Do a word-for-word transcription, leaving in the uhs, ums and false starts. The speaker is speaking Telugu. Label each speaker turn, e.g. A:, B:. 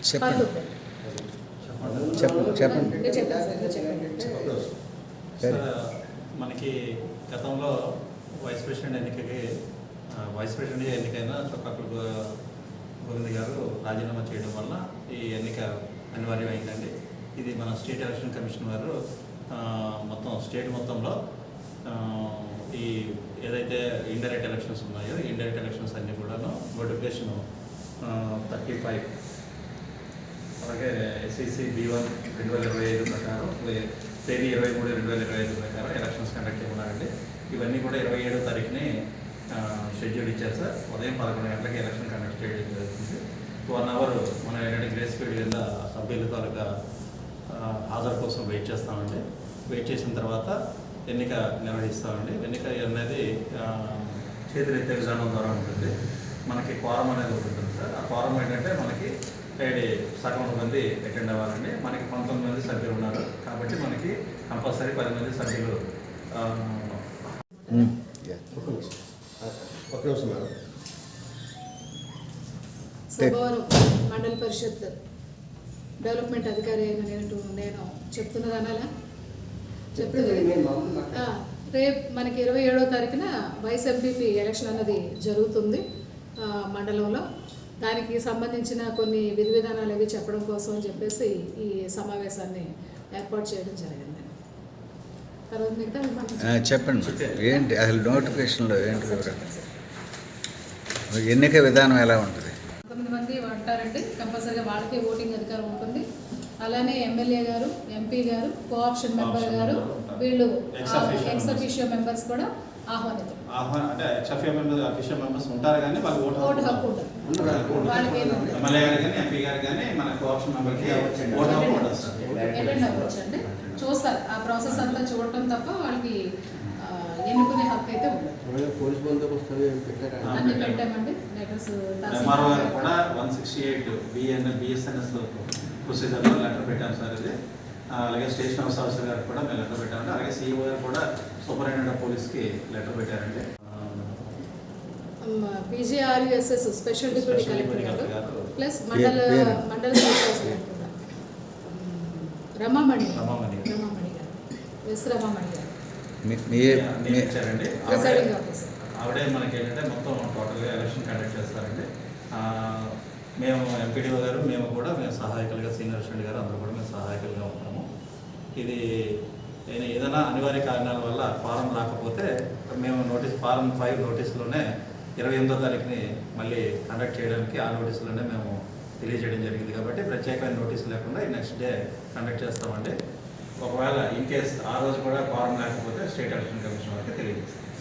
A: చెప్పండి చెప్పండి
B: చెప్పండి. మనకి గతంలో వైస్ ప్రెసిడెంట్ ఎన్నికకి వైస్ ప్రెసిడెంట్ ఎన్నికైన చొక్కాకుల గోవింద్ గారు రాజీనామా చేయడం వల్ల ఈ ఎన్నిక అనివార్యమైందండి. ఇది మన స్టేట్ ఎలక్షన్ కమిషన్ వారు మొత్తం స్టేట్ మొత్తంలో ఈ ఏదైతే ఇండైరెక్ట్ ఎలక్షన్స్ ఉన్నాయో ఇండైరెక్ట్ ఎలక్షన్స్ అన్నీ కూడాను నోటిఫికేషన్ థర్టీ ఫైవ్ అలాగే ఎస్ఈసి బి వన్ రెండు వేల ఇరవై ఐదు ప్రకారం తేదీ ఇరవై మూడు రెండు వేల ఇరవై ఐదు ప్రకారం ఎలక్షన్స్ కండక్ట్ చేయమన్నారండి. ఇవన్నీ కూడా ఇరవై ఏడో తారీఖుని షెడ్యూల్ ఇచ్చారు సార్. ఉదయం పదకొండు గంటలకి ఎలక్షన్ కండక్ట్ చేయడం జరుగుతుంది. వన్ అవర్ మనం ఏంటంటే గ్రేస్ పీరియడ్ కింద సభ్యుల తాలూకా హాజరు కోసం వెయిట్ చేస్తామండి. వెయిట్ చేసిన తర్వాత ఎన్నిక నిర్వహిస్తామండి. ఎన్నిక అనేది చేతులెత్తే విధానం ద్వారా ఉంటుంది. మనకి క్వారం అనేది ఉంటుంది సార్. ఆ క్వారం ఏంటంటే మనకి ఏడు సగం మంది అటెండ్ అవ్వాలండి. మనకి పంతొమ్మిది మంది సభ్యులు ఉన్నారు కాబట్టి మనకి కంపల్సరీ పది మంది సభ్యులు.
C: సభవరం మండల పరిషత్ డెవలప్మెంట్ అధికారి అయిన నేను నేను చెప్తున్నది అనాలా చెప్తుంది. రేపు మనకి ఇరవై ఏడవ తారీఖున వైస్ ఎంపీపీ ఎలక్షన్ అన్నది జరుగుతుంది మండలంలో. దానికి సంబంధించిన కొన్ని విధి విధానాలు అవి చెప్పడం కోసం చెప్పేసి ఈ సమావేశాన్ని ఏర్పాటు చేయడం జరిగింది. తర్వాత మిగతా
A: చెప్పండి ఏంటి అసలు నోటిఫికేషన్లో ఏంటి ఎన్నిక విధానం ఎలా ఉంటుంది?
C: తొమ్మిది మంది ఉంటారండి. కంపల్సరీగా వాళ్ళకే ఓటింగ్ అధికారం ఉంటుంది. అలానే ఎమ్మెల్యే గారు, ఎంపీ గారు, కోఆప్షన్ మెంబర్ గారు, వీళ్ళు ఎక్స్ అఫీషియో మెంబర్స్ కూడా ఆహ్వానితం.
B: అంటే ఎక్స్ అఫీషియో మెంబర్స్ ఉంటారు కానీ వాళ్ళు ఓటు
C: ఓటు హక్కు ఉంటుంది.
B: ఎమ్మెల్యే గారు కానీ ఎంపీ గారు కానీ మన కోఆప్షన్ మెంబర్కి ఓటు హక్కు ఉంటుంది.
C: అటెండ్ అవ్వచ్చు అండి. చూస్తారు ఆ ప్రాసెస్ అంతా చూడటం తప్ప వాళ్ళకి ఎన్నుకునే హక్కు అయితే ఉండదు.
D: పోలీస్ బందోబస్తు
C: అన్ని పెట్టామండి. లెటర్స్
B: ఎంఆర్ఓ గారు కూడా one sixty eight BNL BSNS ప్రొసీజర్లో లెటర్ పెట్టాము సార్. ఇది అలాగే స్టేషన్ హౌస్ ఆఫీసర్ గారికి కూడా మేము లెటర్ పెట్టామండి. అలాగే సీఈఓ గారు కూడా సూపరింటెండెంట్ ఆఫ్ పోలీస్కి లెటర్ పెట్టారండి.
C: పీజీఆర్యుఎస్ఎస్ స్పెషల్ డిప్యూటీ కలెక్టర్ గారు ప్లస్ మండల మండల రమామణి రమామణి రమామణి గారు ఎస్ రమామణి గారు
B: ఇచ్చారండి. ఆవిడే మనకి ఏంటంటే మొత్తం టోటల్గా ఎలక్షన్ కండక్ట్ చేస్తారండి. మేము ఎంపీడీఓ గారు మేము కూడా మేము సహాయకులుగా సీనియర్ అసిస్టెంట్ గారు అందరూ కూడా మేము సహాయకులుగా ఉంటాము. ఇది ఏదైనా అనివార్య కారణాల వల్ల ఫారం రాకపోతే మేము నోటీస్ ఫారం ఫైవ్ నోటీసులోనే ఇరవై ఎనిమిదో తారీఖుని మళ్ళీ కండక్ట్ చేయడానికి ఆ నోటీసులోనే మేము తెలియజేయడం జరిగింది. కాబట్టి ప్రత్యేకమైన నోటీసు లేకుండా నెక్స్ట్ డే కండక్ట్ చేస్తామండి. ఒకవేళ ఇన్ కేస్ ఆ రోజు కూడా ఫారం లేకపోతే స్టేట్ ఎలక్షన్ కమిషన్ వారికి తెలియజేస్తాం.